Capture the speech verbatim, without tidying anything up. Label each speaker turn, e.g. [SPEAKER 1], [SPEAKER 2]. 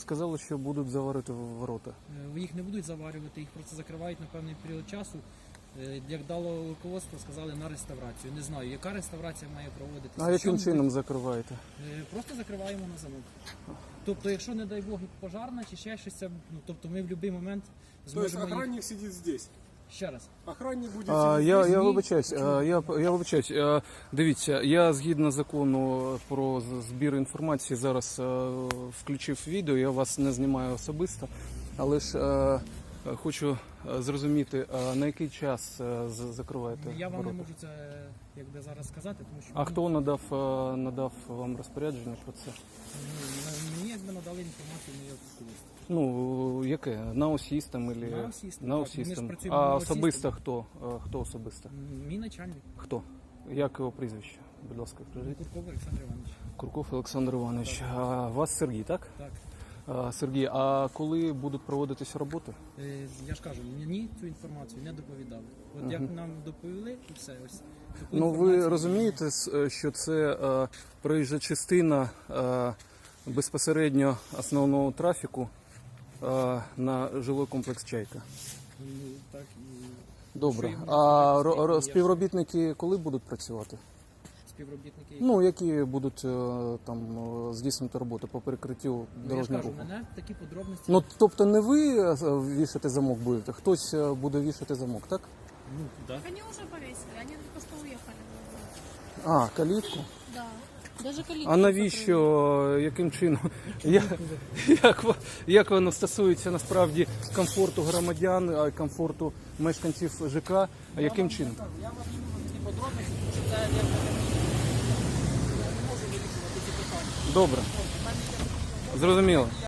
[SPEAKER 1] сказали, що будуть заварити ворота.
[SPEAKER 2] Е, Їх не будуть заварювати, їх просто закривають на певний період часу. Е, Як дало руководство, сказали на реставрацію. Не знаю, яка реставрація має проводитися.
[SPEAKER 1] А яким
[SPEAKER 2] Що
[SPEAKER 1] чином
[SPEAKER 2] буде?
[SPEAKER 1] закриваєте?
[SPEAKER 2] Е, Просто закриваємо на замок. Тобто, якщо, не дай Бог, пожарна чи ще щось, це, ну, тобто ми в будь-який момент
[SPEAKER 3] То есть
[SPEAKER 2] зможемо їх...
[SPEAKER 3] охранник сидит здесь.
[SPEAKER 2] Ще раз.
[SPEAKER 3] Охранник будет
[SPEAKER 1] А,
[SPEAKER 3] сидеть
[SPEAKER 1] я,
[SPEAKER 3] здесь.
[SPEAKER 1] я
[SPEAKER 2] Ні.
[SPEAKER 1] вибачаюсь, а, я, я вибачаюсь. А, Дивіться, я згідно закону про з- збір інформації зараз а, включив відео, я вас не знімаю особисто, але ж а, хочу а, зрозуміти, а на який час а, з- закриваєте
[SPEAKER 2] Я вам не
[SPEAKER 1] ворота?
[SPEAKER 2] можу це якби зараз сказати, тому що
[SPEAKER 1] А хто надав, а, надав вам розпорядження про це?
[SPEAKER 2] ну, мені якби надали інформацію моє особисто.
[SPEAKER 1] Ну, яке? На осістам? Или...
[SPEAKER 2] На осістам,
[SPEAKER 1] На
[SPEAKER 2] так. Ми ж
[SPEAKER 1] осістам.
[SPEAKER 2] працюємо
[SPEAKER 1] А
[SPEAKER 2] на
[SPEAKER 1] особисто
[SPEAKER 2] осістам.
[SPEAKER 1] хто? А, Хто особисто?
[SPEAKER 2] Мій начальник
[SPEAKER 1] Хто? Як його прізвище? Будь ласка, скажіть.
[SPEAKER 2] Курков Олександр Іванович.
[SPEAKER 1] Курков Олександр Іванович. А вас Сергій, так?
[SPEAKER 2] Так.
[SPEAKER 1] А, Сергій, а коли будуть проводитися роботи?
[SPEAKER 2] Е, Я ж кажу, мені цю інформацію не доповідали. От як нам доповіли, і все. Ось. Таку
[SPEAKER 1] Ну, ви
[SPEAKER 2] інформацію-
[SPEAKER 1] розумієте, с- що це е, проїжджа частина е, безпосередньо основного трафіку е, на жилий комплекс «Чайка».
[SPEAKER 2] Ну, так, і
[SPEAKER 1] Добре.
[SPEAKER 2] Що їм
[SPEAKER 1] А
[SPEAKER 2] можна
[SPEAKER 1] ро-
[SPEAKER 2] сказати,
[SPEAKER 1] ро-
[SPEAKER 2] я ж-
[SPEAKER 1] співробітники коли будуть працювати?
[SPEAKER 2] співробітники.
[SPEAKER 1] Ну, які будуть е, там е, здійснювати роботу по перекриттю
[SPEAKER 2] Ну, я ж
[SPEAKER 1] дорожнього
[SPEAKER 2] кажу,
[SPEAKER 1] руху?
[SPEAKER 2] мене такі подробності.
[SPEAKER 1] Ну, тобто не ви е, вішати замок будете, хтось е, буде вішати замок, так?
[SPEAKER 2] Ну, да.
[SPEAKER 4] Они уже повесили, они только что уехали.
[SPEAKER 1] А, калітку.
[SPEAKER 4] Да. Даже калитку
[SPEAKER 1] А навіщо, е, яким чином? Я, як, во- як воно стосується насправди комфорту громадян, а й комфорту мешканців ЖК, а яким чином?
[SPEAKER 2] Я вам не можу такі подробності, тому що це якби я не можу вирішувати ці питання.
[SPEAKER 1] Добре. Зрозуміло.